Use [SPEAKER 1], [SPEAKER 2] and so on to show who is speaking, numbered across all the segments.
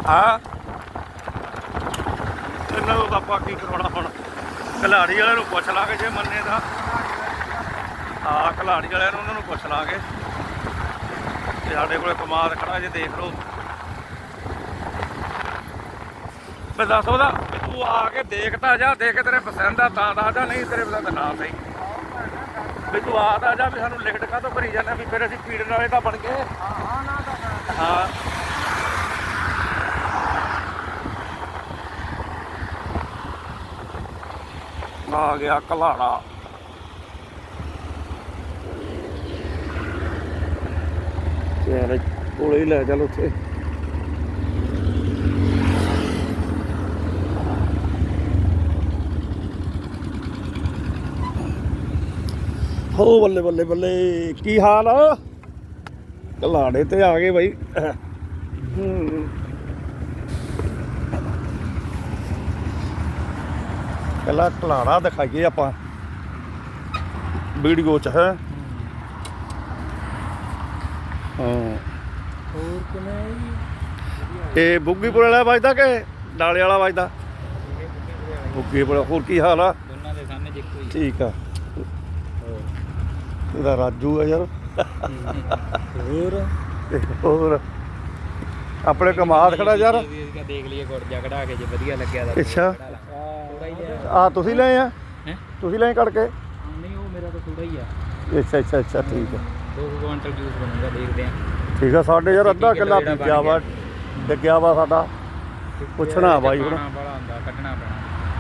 [SPEAKER 1] ਹਾਂ ਇਹਨਾਂ ਨੂੰ ਆਪਾਂ ਕੀ ਕਰਾਉਣਾ ਹੁਣ ਖਿਲਾੜੀ ਵਾਲਿਆਂ ਨੂੰ ਪੁੱਛ ਲਾਂਗੇ ਜੇ ਮੰਨੇ ਤਾਂ ਹਾਂ ਖਿਲਾੜੀ ਵਾਲਿਆਂ ਨੂੰ ਉਹਨਾਂ ਨੂੰ ਪੁੱਛ ਲਾਂਗੇ ਤੇ ਸਾਡੇ ਕੋਲ ਕਮਾਦ ਖੜਾ ਜੇ ਦੇਖ ਲਓ ਮੈਂ ਦੱਸ ਉਹਦਾ ਤੂੰ ਆ ਕੇ ਦੇਖ ਤਾਂ ਜਾ ਦੇਖ ਕੇ ਤੇਰੇ ਪਸੰਦ ਆ ਤਾਂ ਦੱਸ ਜਾ ਨਹੀਂ ਤੇਰੇ ਪਸੰਦ ਨਾ ਸਹੀ ਵੀ ਤੂੰ ਆ ਤਾਂ ਜਾ ਵੀ ਸਾਨੂੰ ਲਿਖਟ ਕਾਹਤੋਂ ਭਰੀ ਜਾਂਦਾ ਵੀ ਫਿਰ ਅਸੀਂ ਪੀੜਨ ਵਾਲੇ ਤਾਂ ਬਣ ਗਏ ਹਾਂ ਆ ਗਿਆ ਕਲਾੜਾ ਯਾਰ ਕੋਲੇ ਹੀ ਲੈ ਚੱਲ ਉੱਥੇ ਹੋ ਬੱਲੇ ਬੱਲੇ ਬੱਲੇ ਕੀ ਹਾਲ ਆ ਕਲਾੜੇ ਤੇ ਆ ਗਏ ਬਾਈ ਪਹਿਲਾਂ ਕਲਾੜਾ ਦਿਖਾਈਏ ਆਪਾਂ ਵੀਡੀਓ ਚ ਹੈ
[SPEAKER 2] ਹੋਰ ਕਿਵੇਂ
[SPEAKER 1] ਇਹ ਬੁੱਗੀਪੁਰ ਵਾਲਾ ਵੱਜਦਾ ਕਿ ਡਾਲੇ ਵਾਲਾ ਵੱਜਦਾ ਬੁੱਗੀਪੁਰ ਹੋਰ ਕੀ ਹਾਲ ਆ
[SPEAKER 2] ਦੋਨਾਂ ਦੇ ਸਾਹਮਣੇ ਇੱਕੋ ਹੀ
[SPEAKER 1] ਠੀਕ ਆ ਇਹਦਾ ਰਾਜੂ ਆ ਯਾਰ ਹੋਰ ਆਪਣੇ ਕਮਾਦ ਖੜਾ ਯਾਰ
[SPEAKER 2] ਦੇਖ ਲਈਏ ਗੁੜ ਜਾ ਕਢਾ ਕੇ ਜੇ ਵਧੀਆ ਲੱਗਿਆ ਤਾਂ
[SPEAKER 1] ਅੱਛਾ
[SPEAKER 2] ਥੋੜਾ ਹੀ
[SPEAKER 1] ਆ ਤੁਸੀਂ ਲਏ ਆ ਤੁਸੀਂ ਲਏ ਕੱਢ ਕੇ
[SPEAKER 2] ਨਹੀਂ ਉਹ ਮੇਰਾ ਤਾਂ ਥੋੜਾ ਹੀ ਆ
[SPEAKER 1] ਅੱਛਾ ਅੱਛਾ ਅੱਛਾ ਠੀਕ ਆ
[SPEAKER 2] 2 ਕੁਆਂਟਲ ਜੂਸ ਬਣੂਗਾ ਦੇਖਦੇ ਆ
[SPEAKER 1] ਠੀਕ ਆ ਸਾਡੇ ਯਾਰ ਅੱਧਾ ਕਿੱਲਾ ਬੀਜਿਆ ਵਾ ਡਿੱਗਿਆ ਵਾ ਸਾਡਾ ਪੁੱਛਣਾ ਬਾਈ ਹੁਣ
[SPEAKER 2] ਬੜਾ ਹੁੰਦਾ ਕੱਢਣਾ ਪੈਣਾ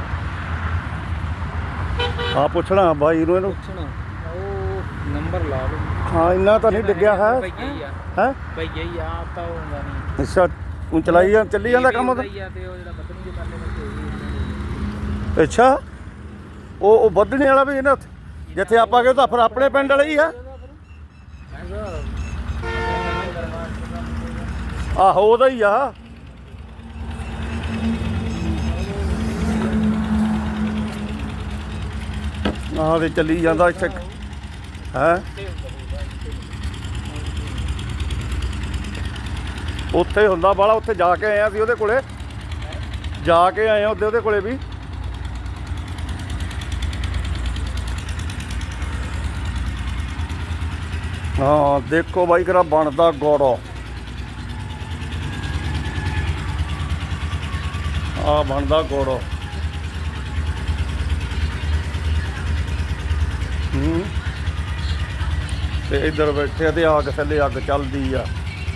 [SPEAKER 1] ਆ ਪੁੱਛਣਾ ਬਾਈ ਨੂੰ ਇਹਨੂੰ
[SPEAKER 2] ਪੁੱਛਣਾ ਉਹ ਨੰਬਰ ਲਾ ਲਓ
[SPEAKER 1] ਹਾਂ ਇੰਨਾ ਤਾਂ ਨਹੀਂ ਡਿੱਗਿਆ ਹੈ ਹੈ
[SPEAKER 2] ਭਈਆ ਹੀ ਆ ਤਾਂ ਉਹ ਹੁੰਦਾ ਨਹੀਂ
[SPEAKER 1] ਅੱਛਾ ਤੂੰ ਚਲਾਈ ਜਾ ਚੱਲੀ ਜਾਂਦਾ ਕੰਮ ਤਾਂ
[SPEAKER 2] ਤੇ ਉਹ ਜਿਹੜਾ ਬੱਦਨੀ ਦੇ ਪਰਲੇ
[SPEAKER 1] ਅੱਛਾ ਉਹ ਵੱਧਣੇ ਵਾਲਾ ਵੀ ਇਹਨਾਂ ਉੱਥੇ ਜਿੱਥੇ ਆਪਾਂ ਗਏ ਤਾਂ ਫਿਰ ਆਪਣੇ ਪਿੰਡ ਵਾਲੇ ਹੀ ਆ ਆਹੋ ਉਹਦਾ ਹੀ ਆ ਆਹ ਤੇ ਚੱਲੀ ਜਾਂਦਾ ਇੱਥੇ ਹੈ ਉੱਥੇ ਹੁੰਦਾ ਬਾਲਾ ਉੱਥੇ ਜਾ ਕੇ ਆਏ ਆ ਅਸੀਂ ਉਹਦੇ ਕੋਲੇ ਜਾ ਕੇ ਆਏ ਆ ਉਹਦੇ ਕੋਲੇ ਵੀ ਹਾਂ ਦੇਖੋ ਬਾਈ ਕਿਹੜਾ ਬਣਦਾ ਗੋੜੋ ਆ ਬਣਦਾ ਗੋੜੋ ਤੇ ਇੱਧਰ ਬੈਠੇ ਤੇ ਅੱਗ ਥੱਲੇ ਅੱਗ ਚੱਲਦੀ ਆ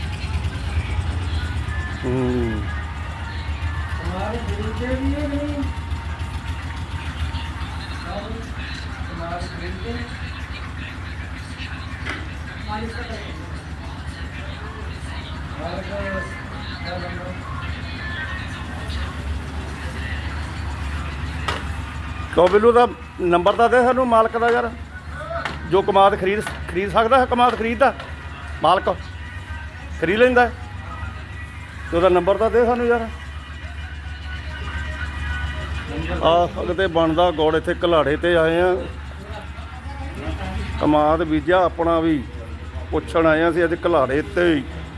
[SPEAKER 1] तो बिल्लू का नंबर तो दे सानू मालक का यार जो कमाद खरीद सकता है कमाद खरीदता मालक खरीद लेंदा तो उसका नंबर तो दे सानू यार अगते बनता गुड़ इत्थे कलाड़े ते आए हैं कमाद बीजा अपना भी पुछण आए असीं अज कलाड़े ते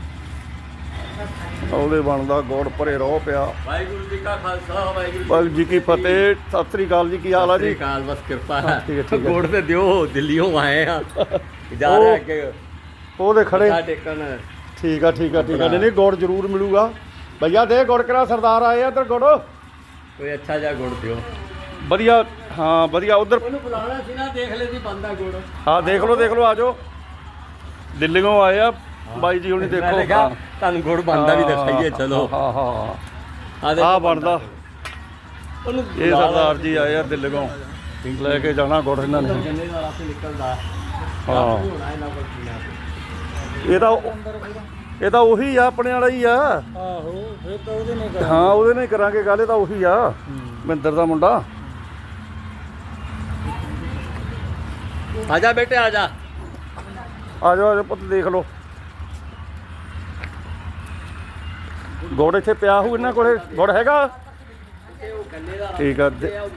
[SPEAKER 1] ਉਹਦੇ ਬਣਦਾ ਗੁੜ ਭਰੇ ਰੋ ਪਿਆ ਵਾਹਿਗੁਰੂ ਜੀ ਕਾ ਖਾਲਸਾ ਵਾਹਿਗੁਰੂ ਜੀ ਕੀ ਫਤਿਹ ਸਤਿ ਸ੍ਰੀ ਅਕਾਲ ਜੀ ਕੀ ਹਾਲ ਆ ਜੀ
[SPEAKER 2] ਕਾਲ ਬਸ ਕਿਰਪਾ ਹੈ
[SPEAKER 1] ਠੀਕ ਹੈ
[SPEAKER 2] ਗੁੜ ਤੇ ਦਿਓ ਦਿੱਲੀੋਂ ਆਏ ਆ ਜਾ ਰਹੇ ਅੱਗੇ
[SPEAKER 1] ਉਹਦੇ ਖੜੇ
[SPEAKER 2] ਟੇਕਣ
[SPEAKER 1] ਠੀਕ ਆ ਨਹੀਂ ਗੁੜ ਜ਼ਰੂਰ ਮਿਲੂਗਾ ਭਈਆ ਦੇ ਗੁੜ ਕਰਾ ਸਰਦਾਰ ਆਏ ਆ ਇੱਧਰ ਗੁੜ
[SPEAKER 2] ਕੋਈ ਅੱਛਾ ਜਿਹਾ ਗੁੜ ਦਿਓ
[SPEAKER 1] ਵਧੀਆ ਹਾਂ ਵਧੀਆ ਉਧਰ
[SPEAKER 2] ਉਹਨੂੰ ਬੁਲਾਉਣਾ ਸੀ ਨਾ ਦੇਖ ਲੈ ਜੀ ਬੰਦਾ ਗੁੜ
[SPEAKER 1] ਹਾਂ ਦੇਖ ਲਓ ਆ ਜਾਓ ਦਿੱਲੀੋਂ ਆਏ ਆ ਬਾਈ ਜੀ ਹੁਣੀ ਦੇਖੋ
[SPEAKER 2] ਤੁਹਾਨੂੰ ਗੁੜ ਬਣਦਾ ਵੀ ਦਿਖਾਈਏ ਚਲੋ
[SPEAKER 1] ਹਾਂ ਆ ਬਣਦਾ ਇਹ ਸਰਦਾਰ ਜੀ ਆਏ ਆ ਦਿੱਲੀੋਂ ਲੈ ਕੇ ਜਾਣਾ ਗੁੜ ਇਹਨਾਂ ਨੇ ਹਾਂ ਇਹ ਤਾਂ ਉਹੀ ਆ ਆਪਣੇ ਵਾਲਾ ਹੀ ਆ
[SPEAKER 2] ਆਹੋ ਫਿਰ ਤਾਂ ਉਹਦੇ ਨਾਲ
[SPEAKER 1] ਹਾਂ ਉਹਦੇ ਨਾਲ ਹੀ ਕਰਾਂਗੇ ਗੱਲ ਇਹ ਤਾਂ ਉਹੀ ਆ ਮਹਿੰਦਰ ਦਾ ਮੁੰਡਾ
[SPEAKER 2] ਆ ਜਾ ਬੇਟੇ ਆ ਜਾ
[SPEAKER 1] ਪੁੱਤ ਦੇਖ ਲਓ ਗੁੜ ਇੱਥੇ ਪਿਆ ਹੋਊ ਇਹਨਾਂ ਕੋਲੇ ਗੁੜ ਹੈਗਾ ਠੀਕ ਆ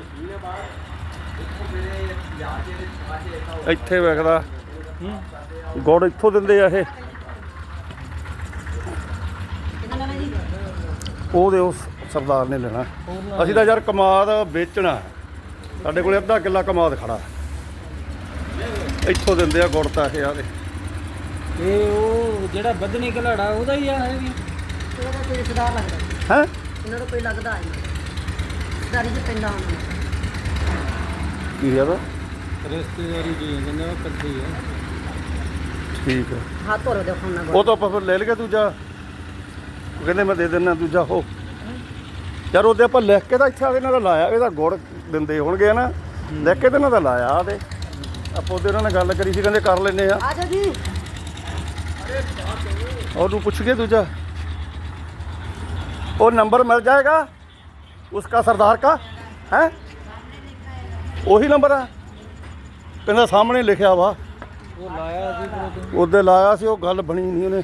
[SPEAKER 1] ਇੱਥੇ ਵੇਖਦਾ ਗੁੜ ਇੱਥੋਂ ਦਿੰਦੇ ਆ ਇਹ
[SPEAKER 3] ਉਹਦੇ ਉਸ ਸਰਦਾਰ ਨੇ ਲੈਣਾ। ਅਸੀਂ ਤਾਂ ਯਾਰ ਕਮਾਦ ਵੇਚਣਾ ਹੈ। ਸਾਡੇ ਕੋਲੇ ਅੱਧਾ ਕਿੱਲਾ ਕਮਾਦ ਖੜਾ ਇੱਥੋਂ ਦਿੰਦੇ ਆ ਗੁੜ ਤਾਂ ਇਹ ਆ ਦੇ।
[SPEAKER 2] ਇਹ ਉਹ ਜਿਹੜਾ ਵਧਣੀ ਘਲਾੜਾ ਉਹਦਾ ਹੀ ਆ ਹੈ ਵੀ
[SPEAKER 4] ਉਹਦਾ ਕੋਈ ਰਿਸ਼ਤੇਦਾਰ ਲੱਗਦਾ
[SPEAKER 3] ਹੈ
[SPEAKER 4] ਇਹਨਾਂ ਦਾ ਕੋਈ ਲੱਗਦਾ ਹੈ ਰਿਸ਼ਤੇਦਾਰੀ 'ਚ ਪੈਂਦਾ ਹੁੰਦਾ
[SPEAKER 3] ਕੀ ਯਾਰ
[SPEAKER 2] ਰਿਸ਼ਤੇਦਾਰੀ ਜੀ ਕਹਿੰਦੇ ਉਹ ਕੱਢੀ ਆ।
[SPEAKER 3] ਠੀਕ ਹੈ
[SPEAKER 4] ਹੱਥ ਧੋ ਲਓ ਦੇ ਫੋਨ ਨਾਲ
[SPEAKER 3] ਉਹ ਤਾਂ ਆਪਾਂ ਫਿਰ ਲੈ ਲਈਏ ਦੂਜਾ। ਉਹ ਕਹਿੰਦੇ ਮੈਂ ਦੇ ਦਿੰਦਾ ਦੂਜਾ ਉਹ ਯਾਰ ਉਹਦੇ ਆਪਾਂ ਲਿਖ ਕੇ ਤਾਂ ਇੱਥੇ ਆ ਇਹਨਾਂ ਦਾ ਲਾਇਆ। ਇਹਦਾ ਗੁੜ ਦਿੰਦੇ ਹੋਣਗੇ ਨਾ ਲਿਖ ਕੇ ਤਾਂ ਇਹਨਾਂ ਦਾ ਲਾਇਆ ਆ ਤੇ ਆਪਾਂ ਉਹਦੇ ਉਹਨਾਂ ਨਾਲ ਗੱਲ ਕਰੀ ਸੀ ਕਹਿੰਦੇ ਕਰ ਲੈਂਦੇ ਆ।
[SPEAKER 4] ਆ ਜਾ ਜੀ
[SPEAKER 3] ਉਹਨੂੰ ਪੁੱਛ ਕੇ ਦੂਜਾ ਉਹ ਨंबर मिल जाएगा उसका सरदार का है ਉਹੀ ਨੰਬਰ ਆ ਕਹਿੰਦਾ ਸਾਹਮਣੇ ਲਿਖਿਆ ਵਾ
[SPEAKER 2] ਉਹ ਲਾਇਆ ਸੀ ਫਿਰ ਉਦੋਂ।
[SPEAKER 3] ਉਹਦੇ ਲਾਇਆ ਸੀ ਉਹ ਗੱਲ ਬਣੀ ਨਹੀਂ ਉਹਨੇ।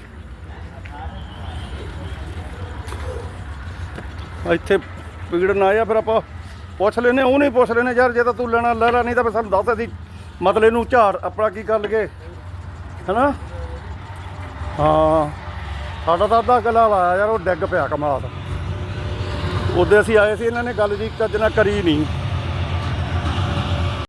[SPEAKER 3] ਇੱਥੇ ਪੀੜਨ ਆਇਆ ਫਿਰ ਆਪਾਂ ਪੁੱਛ ਲੈਨੇ ਉਹ ਨਹੀਂ ਪੁੱਛ ਲੈਨੇ ਯਾਰ ਜੇ ਤਾਂ ਤੂੰ ਲੈਣਾ ਲੈ ਲੈ ਨਹੀਂ ਤਾਂ ਫਿਰ ਸਾਨੂੰ ਦੱਸ ਅਸੀਂ ਮਤਲਬ ਇਹਨੂੰ ਝਾੜ ਆਪਣਾ ਕੀ ਕਰ ਲਈਏ ਹੈਨਾ। ਹਾਂ ਸਾਡਾ ਤਾਂ ਅੱਧਾ ਕਿੱਲਾ ਲਾਇਆ ਯਾਰ ਉਹ ਡਿੱਗ ਪਿਆ ਕਮਾਲ। ਉਹਦੇ ਅਸੀਂ ਆਏ ਸੀ ਇਹਨਾਂ ਨੇ ਗੱਲ ਜੀ ਚੱਜ ਨਾਲ ਕਰੀ ਨਹੀਂ।